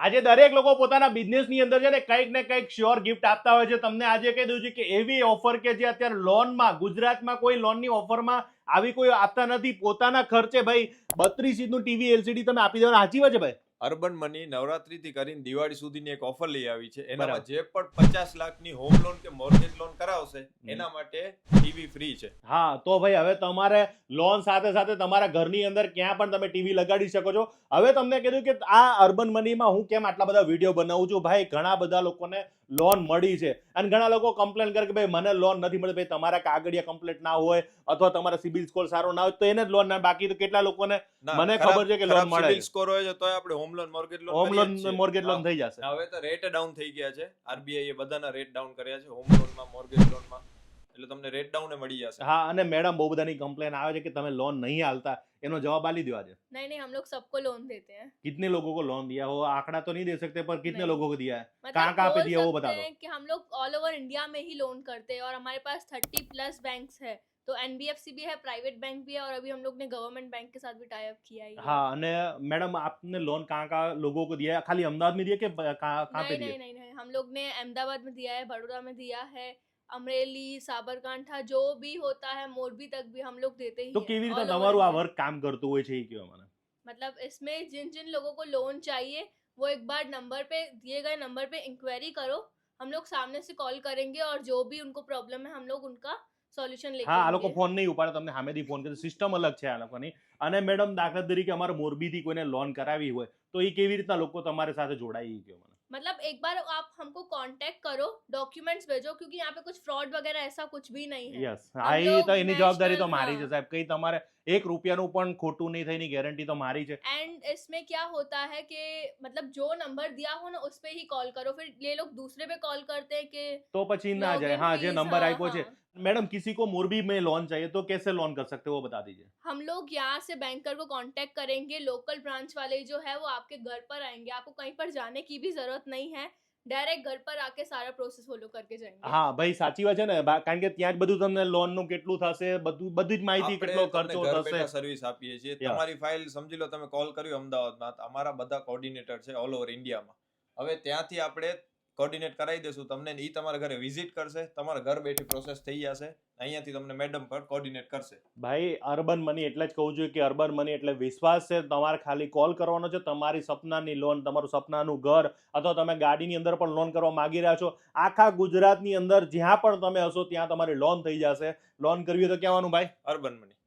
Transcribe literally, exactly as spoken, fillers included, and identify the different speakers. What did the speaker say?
Speaker 1: આજે દરેક લોકો પોતાના બિઝનેસની અંદર છે ને કંઈક ને કંઈક શ્યોર ગિફ્ટ આપતા હોય છે. તમને આજે કહી દઉં છું કે એવી ઓફર કે જે અત્યારે લોનમાં ગુજરાતમાં કોઈ લોનની ઓફરમાં આવી કોઈ આપતા નથી. પોતાના ખર્ચે ભાઈ બત્રીસ ઇંચનું ટીવી એલસીડી તમે આપી દેવાના. સાચી વાત છે ભાઈ?
Speaker 2: અર્બન મની નવરાત્રીથી કરીને દિવાળી સુધીની એક ઓફર લઈ આવી છે. એનામાં
Speaker 1: બરાબર.
Speaker 2: જે પણ પચાસ લાખની હોમ લોન કે મોર્ગેજ લોન કરાવશે એના માટે ટીવી ફ્રી છે.
Speaker 1: હા, તો ભાઈ હવે તમારે લોન સાથે સાથે તમારા ઘરની અંદર ક્યાં પણ તમે ટીવી લગાડી શકો છો. હવે તમને કીધું કે આ અર્બન મનીમાં હું કેમ આટલા બધા વિડીયો બનાવું છું. ભાઈ ઘણા બધા લોકોને લોન મળી છે અને ઘણા લોકો કમ્પ્લેન કરે કે ભાઈ મને લોન નથી મળી. ભાઈ તમારા કાગળિયા કમ્પ્લીટ ના હોય અથવા તમારા સિબિલ સ્કોર સારો ના હોય તો એને જ લોન ના. બાકી તો કેટલા લોકોને મને ખબર છે કે લોન મળે
Speaker 2: સિબિલ
Speaker 1: છે.
Speaker 2: સ્કોર હોય છે તોય આપણે home loan mortgage loan
Speaker 1: home
Speaker 2: કરીએ
Speaker 1: લોન
Speaker 2: જ છીએ.
Speaker 1: મોર્ગેજ લોન
Speaker 2: હા.
Speaker 1: થઈ જશે.
Speaker 2: હવે તો રેટ ડાઉન થઈ ગયા છે. આરબીઆઈ એ બધાના રેટ ડાઉન કર્યા છે હોમ લોનમાં મોર્ગેજ લોનમાં. એટલે તમને રેટ ડાઉન મળી જશે.
Speaker 1: હા, અને મેડમ બહુ બધાની કમ્પ્લેન આવે છે કે તમે લોન નહીં હાલતા. એનો जवाब आली दो आज।
Speaker 3: नहीं नहीं हम लोग सबको लोन देते हैं।
Speaker 1: कितने लोगों को लोन दिया हो आंकड़ा तो नहीं दे सकते पर कितने
Speaker 3: नहीं।
Speaker 1: लोगों को दिया है,
Speaker 3: मतलब
Speaker 1: कहाँ कहाँ पे
Speaker 3: बोल
Speaker 1: दिया वो
Speaker 3: सकते
Speaker 1: बता दो।
Speaker 3: हैं कि हम लोग ऑल ओवर इंडिया में ही लोन करते हैं और हमारे पास थर्टी प्लस बैंक्स है। तो एनबीएफसी भी है, प्राइवेट बैंक भी है और अभी हम लोग ने गवर्नमेंट बैंक के साथ भी टाई अप किया है।
Speaker 1: हाँ, અને मैडम आपने लोन कहाँ कहाँ लोगों को दिया है? खाली अहमदाबाद में दिया कि ब- कहाँ कहाँ पे
Speaker 3: नहीं
Speaker 1: दिया?
Speaker 3: नहीं नहीं नहीं हम लोग ने अहमदाबाद में दिया है, बड़ौदा में दिया है, अमरेली, साबरकांठा जो भी होता है, मोरबी तक भी हम लोग देते ही
Speaker 1: તો
Speaker 3: हैं,
Speaker 1: કેવી રીતે
Speaker 3: all over
Speaker 1: તમારું આ
Speaker 3: India।
Speaker 1: વર્ક કામ કરતું હોય છે એ કહો મને।
Speaker 3: मतलब इसमें जिन जिन लोगों को लोन चाहिए वो एक बार नंबर पे दिए गए नंबर पे इंक्वायरी करो, हम लोग सामने से कॉल करेंगे और जो भी उनको प्रॉब्लम है हम लोग उनका સોલ્યુશન લેके
Speaker 1: હા, આ લોકો
Speaker 3: આएंगे।
Speaker 1: ફોન નહીં ઉપાડે, તમને સામેથી ફોન કરે, સિસ્ટમ અલગ છે આ લોકોની। અને મેડમ દાખલા તરીકે અમારે મોરબીથી કોઈને લોન કરાવી હોય તો એ કેવી રીતના લોકો તમારી સાથે જોડાય એ કહો મને।
Speaker 3: मतलब एक बार आप हमको कांटेक्ट करो, डॉक्यूमेंट्स भेजो क्योंकि यहाँ पे कुछ फ्रॉड वगैरह ऐसा कुछ भी नहीं है।
Speaker 1: યસ, હા,
Speaker 3: हम
Speaker 1: એ
Speaker 3: लोग
Speaker 1: તો એની જવાબદારી તો
Speaker 3: national,
Speaker 1: મારી છે
Speaker 3: हाँ।
Speaker 1: સાહેબ। કઈ તમારે એક રૂપિયાનું પણ ખોટું નહીં થાય એની ગેરંટી તો મારી છે।
Speaker 3: एंड इसमें क्या होता है कि मतलब जो नंबर दिया हो ना उस पे ही कॉल करो, फिर ये लोग दूसरे पे कॉल करते हैं कि
Speaker 1: तो પછી ना जाए।
Speaker 3: लॉगिन
Speaker 1: हाँ, જે
Speaker 3: फीस,
Speaker 1: नंबर
Speaker 3: हाँ,
Speaker 1: आप्યો છે।
Speaker 3: हाँ।
Speaker 1: मैडम किसी को मोरबी में लोन चाहिए तो कैसे लोन कर सकते हो वो बता दीजिए।
Speaker 3: हम लोग यहाँ से बैंकर को कांटेक्ट करेंगे, लोकल ब्रांच वाले जो है वो आपके घर पर आएंगे, आपको कहीं पर जाने की भी जरूरत नहीं है, डायरेक्ट घर पर आके सारा प्रोसेस वो लोग करके जाएंगे।
Speaker 1: હા ભાઈ સાચી વાત છે ને, બા- કારણ કે ત્યાં જ બધું તમને લોન નું કેટલું થશે બધું બધી જ માહિતી,
Speaker 2: આપણે
Speaker 1: કેટલો
Speaker 2: તમને
Speaker 1: ખર્ચો
Speaker 2: ઘર
Speaker 1: થશે।
Speaker 2: બેઠા સર્વિસ આપીએ છીએ.
Speaker 1: Yeah.
Speaker 2: તમારી ફાઇલ સમજી લો તમે કોલ કર્યું અમદાવાદમાં, તો અમારા બધા કોર્ડિનેટર છે ઓલ ઓવર ઇન્ડિયામાં. હવે ત્યાંથી આપણે કોર્ડિનેટ કરાવી દેશું તમને, ઈ તમારા ઘરે વિઝિટ કરશે, તમારા ઘર બેઠી પ્રોસેસ થઈ જશે, અહીંયાથી તમને મેડમ પર કોર્ડિનેટ કરશે।
Speaker 1: ભાઈ અર્બન મની એટલે જ કહું છું કે અર્બન મની એટલે વિશ્વાસ છે। તમારે ખાલી કોલ કરવાનો છે, તમારી સપનાની લોન, તમારું સપનાનું ઘર અથવા તમે ગાડીની અંદર પણ લોન કરવા માંગી રહ્યા છો, આખા ગુજરાતની અંદર જ્યાં પણ તમે હશો ત્યાં તમારી લોન થઈ જશે। લોન કરવી હોય તો કહેવાનું ભાઈ
Speaker 2: અર્બન મની।